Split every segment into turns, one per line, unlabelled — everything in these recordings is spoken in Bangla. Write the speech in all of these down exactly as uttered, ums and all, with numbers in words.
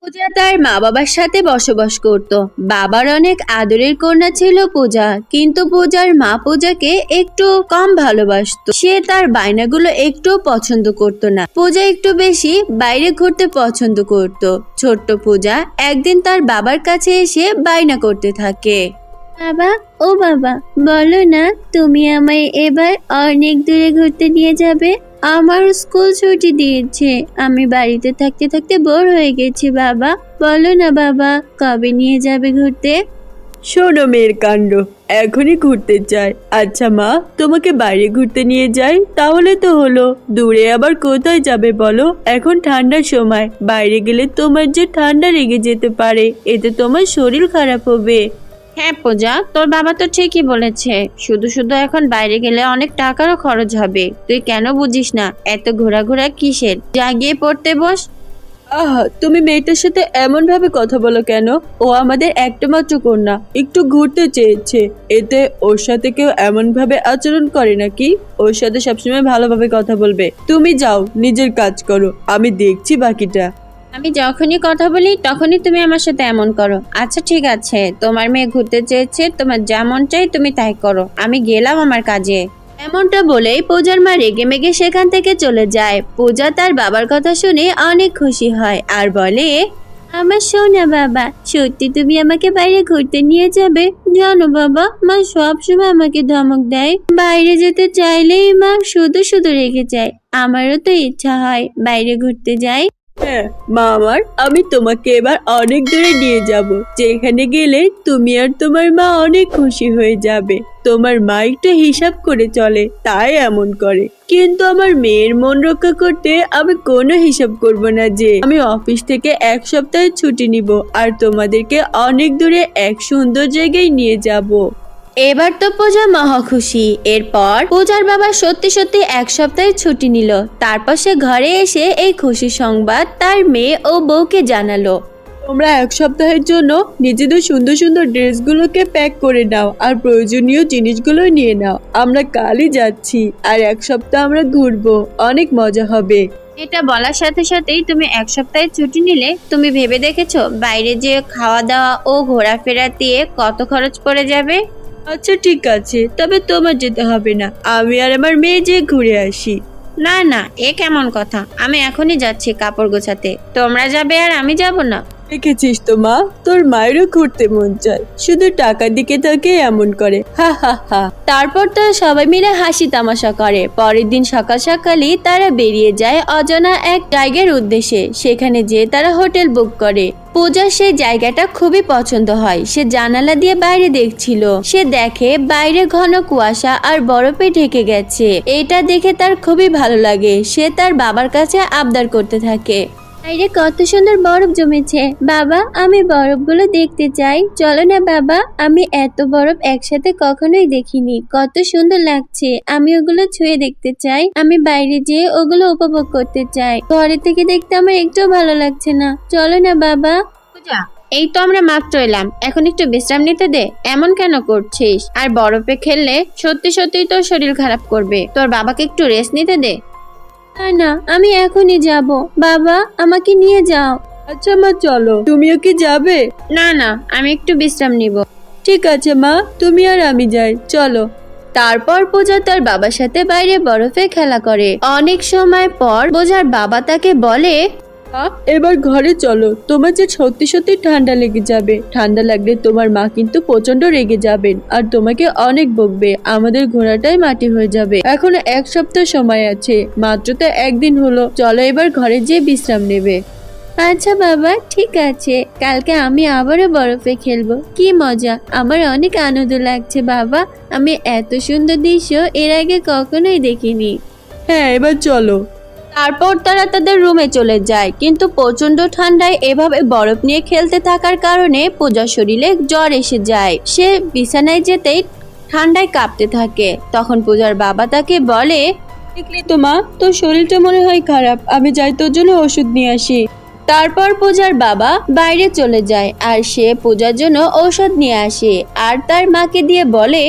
পূজা তার মা বাবার সাথে বসবাস করত। বাবার অনেক আদরের কন্যা ছিল পূজা, কিন্তু পূজার মা পূজাকে একটু কম ভালোবাসতো। সে তার বায়নাগুলো একটু পছন্দ করত না। পূজা একটু বেশি বাইরে ঘুরতে পছন্দ করত। ছোট্ট পূজা একদিন তার বাবার কাছে এসে বায়না করতে থাকে, বাবা, ও বাবা, বলো না তুমি আমায় এবার অনেক দূরে ঘুরতে নিয়ে যাবে। আমার স্কুল ছুটি দিয়েছে, আমি বাড়িতে থাকতে থাকতে বোর হয়ে গেছি। বাবা, বলো না বাবা, কবে নিয়ে যাবে ঘুরতে?
শোনো মেয়ের কাণ্ড, এখনই ঘুরতে চাই। আচ্ছা মা, তোমাকে বাইরে ঘুরতে নিয়ে যাই, তাহলে তো হলো। দূরে আবার কোথায় যাবে বলো? এখন ঠান্ডার সময়, বাইরে গেলে তোমার যে ঠান্ডা লেগে যেতে পারে, এতে তোমার শরীর খারাপ হবে।
হ্যাঁ পূজা, তোর বাবা তো ঠিকই বলেছে। শুধু শুধু এখন বাইরে গেলে অনেক টাকারও খরচ হবে। তুই কেন বুঝিস না? এত ঘোরাঘোরা কিসের? যা গিয়ে পড়তে বস।
আহা, তুমি মেয়েটার সাথে এমন ভাবে কথা বলো কেন? ও আমাদের একটা মাত্র কন্যা, একটু ঘুরতে চেয়েছে, এতে ওর সাথে কেউ এমন ভাবে আচরণ করে নাকি? ওর সাথে সবসময় ভালোভাবে কথা বলবে। তুমি যাও, নিজের কাজ করো, আমি দেখছি বাকিটা।
আমি যখনই কথা বলি তখনই তুমি আমার সাথে এমন করো। আচ্ছা ঠিক আছে, তোমার মেয়ে ঘুরতে চেয়েছে, তোমার যেমন চাই তুমি তাই করো। আমি গেলাম আমার কাজে। এমনটা বলেই পূজার মা রেগে মেগে সেখান থেকে চলে যায়। পূজা তার বাবার কথা শুনে অনেক খুশি হয় আর বলে, আমার সোনা বাবা, সত্যি তুমি আমাকে বাইরে ঘুরতে নিয়ে যাবে? জানো বাবা, মা সব সময় আমাকে ধমক দেয়। বাইরে যেতে চাইলেই মা শুধু শুধু রেগে যায়। আমারও তো ইচ্ছা হয় বাইরে ঘুরতে যাই।
হ্যাঁ মা আমার, আমি তোমাকে এবার অনেক দূরে নিয়ে যাব, যেখানে গেলে তুমি আর তোমার মা অনেক খুশি হয়ে যাবে। তোমার মা একটু হিসাব করে চলে, তাই এমন করে। কিন্তু আমার মেয়ের মন রক্ষা করতে আমি কোনো হিসাব করব না যে আমি অফিস থেকে এক সপ্তাহের ছুটি নিব আর তোমাদেরকে অনেক দূরে এক সুন্দর জায়গায় নিয়ে যাব।
এবার তো পূজা মহা খুশি। এরপর পূজার বাবা সত্যি সত্যি এক সপ্তাহের ছুটি নিল। তারপর সে ঘরে এসে এই খুশি সংবাদ তার মেয়ে ও বউকে জানালো।
তোমরা এক সপ্তাহের জন্য নিজেদের সুন্দর সুন্দর ড্রেসগুলোকে প্যাক করে নাও আর প্রয়োজনীয় জিনিসগুলো নিয়ে নাও। আমরা কালই যাচ্ছি আর এক সপ্তাহ আমরা ঘুরবো, অনেক মজা হবে।
এটা বলার সাথে সাথেই তুমি এক সপ্তাহের ছুটি নিলে। তুমি ভেবে দেখেছো বাইরে যে খাওয়া দাওয়া ও ঘোরাফেরা দিয়ে কত খরচ পড়ে যাবে?
আচ্ছা ঠিক আছে, তবে তোমার যেতে হবে না, আমি আর আমার মেয়ে যে ঘুরে আসি।
না না, এ কেমন কথা? আমি এখনই যাচ্ছি কাপড় গোছাতে। তোমরা যাবে আর আমি যাব না?
দেখেছিস তো মা, তোর মায়েরও ঘুরতে মন চায়, শুধু টাকার দিকে তাকে এমন করে। হা হা হা।
তারপর তারা সবাই মিলে হাসি তামাশা করে। পরের দিন সকাল সকালই তারা বেরিয়ে যায় অজানা এক জায়গার উদ্দেশ্যে। সেখানে যেয়ে তারা হোটেল বুক করে। পূজার সেই জায়গাটা খুবই পছন্দ হয়। সে জানালা দিয়ে বাইরে দেখছিল। সে দেখে বাইরে ঘন কুয়াশা আর বরফে ঢেকে গেছে। এটা দেখে তার খুবই ভালো লাগে। সে তার বাবার কাছে আবদার করতে থাকে, বাইরে কত সুন্দর বরফ জমেছে। বাবা, আমি বরফগুলো দেখতে চাই। চলো না বাবা, আমি এত বরফ একসাথে কখনোই দেখিনি। কত সুন্দর লাগছে, আমি ওগুলো ছুঁয়ে দেখতে চাই। আমি বাইরে যেয়ে ওগুলো উপভোগ করতে চাই। ঘরে থেকে দেখতে আমার একটুও ভালো লাগছে না। চলো না বাবা। পূজা, এই তো আমরা মাত্র এলাম, এখন একটু বিশ্রাম নিতে দে। এমন কেন করছিস? আর বরফে খেললে সত্যি সত্যি তোর শরীর খারাপ করবে। তোর বাবাকে একটু রেস্ট নিতে দে। না না, আমি এখনই যাব। বাবা, আমাকে নিয়ে যাও।
আচ্ছা মা চলো, তুমিও কি যাবে?
না না, আমি একটু বিশ্রাম নিব।
ঠিক আছে মা, তুমি আর আমি যাই, চলো।
তারপর পূজা তার বাবার সাথে বাইরে বরফে খেলা করে। অনেক সময় পর পূজার বাবা তাকে বলে,
মা, এবার ঘরে চলো, তোমার যে সত্যি সত্যি ঠান্ডা লেগে যাবে। ঠান্ডা লাগলে তোমার মা কিন্তু প্রচন্ড রেগে যাবেন আর তোমাকে অনেক বকবে। আমাদের ঘোড়াটাই মাটি হয়ে যাবে। এখনো এক সপ্তাহ সময় আছে, মাত্র তো একদিন হলো। চলো এবার ঘরে যেয়ে বিশ্রাম নেবে।
আচ্ছা বাবা, ঠিক আছে, কালকে আমি আবারও বরফে খেলবো। কি মজা, আমার অনেক আনন্দ লাগছে বাবা। আমি এত সুন্দর দৃশ্য এর আগে কখনোই দেখিনি।
হ্যাঁ, এবার চলো।
তারপর তারা তাদের রুমে চলে যায়। কিন্তু প্রচন্ড ঠান্ডায় এভাবে বরফ নিয়ে খেলতে থাকার কারণে পূজার শরীরে জ্বর এসে যায়। সে বিছানায় যেতেই ঠান্ডায় কাঁপতে থাকে। তখন পূজার বাবা তাকে বলে,
দেখলি তো মা, তোর শরীরটা মনে হয় খারাপ, আমি যাই তোর জন্য ওষুধ নিয়ে আসি।
তারপর পূজার বাবা বাইরে চলে যায় আর সে পূজার জন্য ঔষধ নিয়ে আসে আর তার মাকে দিয়ে বলে,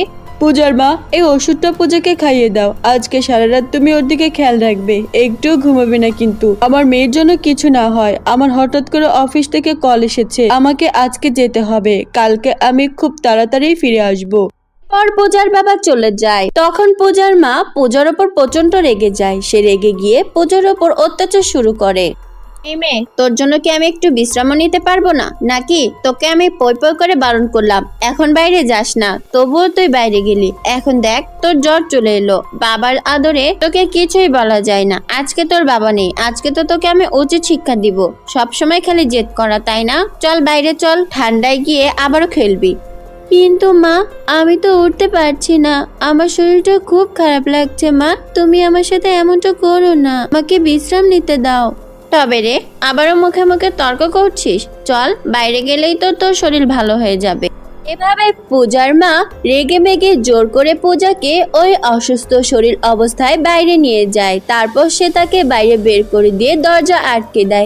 পূজার মা, এই ওষুধটা পূজাকে খাইয়ে দাও। আজকে সারা রাত তুমি ওর দিকে খেয়াল রাখবে, একটুও ঘুমাবে না কিন্তু। আমার মেয়ের জন্য কিছু না হয়। আমার হঠাৎ করে অফিস থেকে কল এসেছে, আমাকে আজকে যেতে হবে। কালকে আমি খুব তাড়াতাড়ি ফিরে আসবো।
পর পূজার বাবা চলে যায়। তখন পূজার মা পূজার ওপর প্রচন্ড রেগে যায়। সে রেগে গিয়ে পূজার ওপর অত্যাচার শুরু করে। এই মেয়ে, তোর জন্য কি আমি একটু বিশ্রাম নিতে পারবো না নাকি? তোকে আমি পই পই করে বারণ করলাম এখন বাইরে যাস না, তবুও তুই বাইরে গেলি। এখন দেখ তোর জ্বর চলে এলো। বাবার আদরে তোকে কিছুই বলা যায় না। আজকে তোর বাবা নেই, আজকে তো তোকে আমি উচিত শিক্ষা দিব। সবসময় খালি জেদ করা, তাই না? চল বাইরে চল, ঠান্ডায় গিয়ে আবারও খেলবি। কিন্তু মা, আমি তো উঠতে পারছি না, আমার শরীরটা খুব খারাপ লাগছে। মা, তুমি আমার সাথে এমনটা করো না, আমাকে বিশ্রাম নিতে দাও। তবে রে, আবারও মুখে মুখে তর্ক করছিস? চল, বাইরে গেলেই তো তোর শরীর ভালো হয়ে যাবে। এভাবে পূজার মা রেগে মেগে জোর করে পূজাকে ওই অসুস্থ শরীর অবস্থায় বাইরে নিয়ে যায়। তারপর সে তাকে বাইরে বের করে দিয়ে দরজা আটকে দেয়।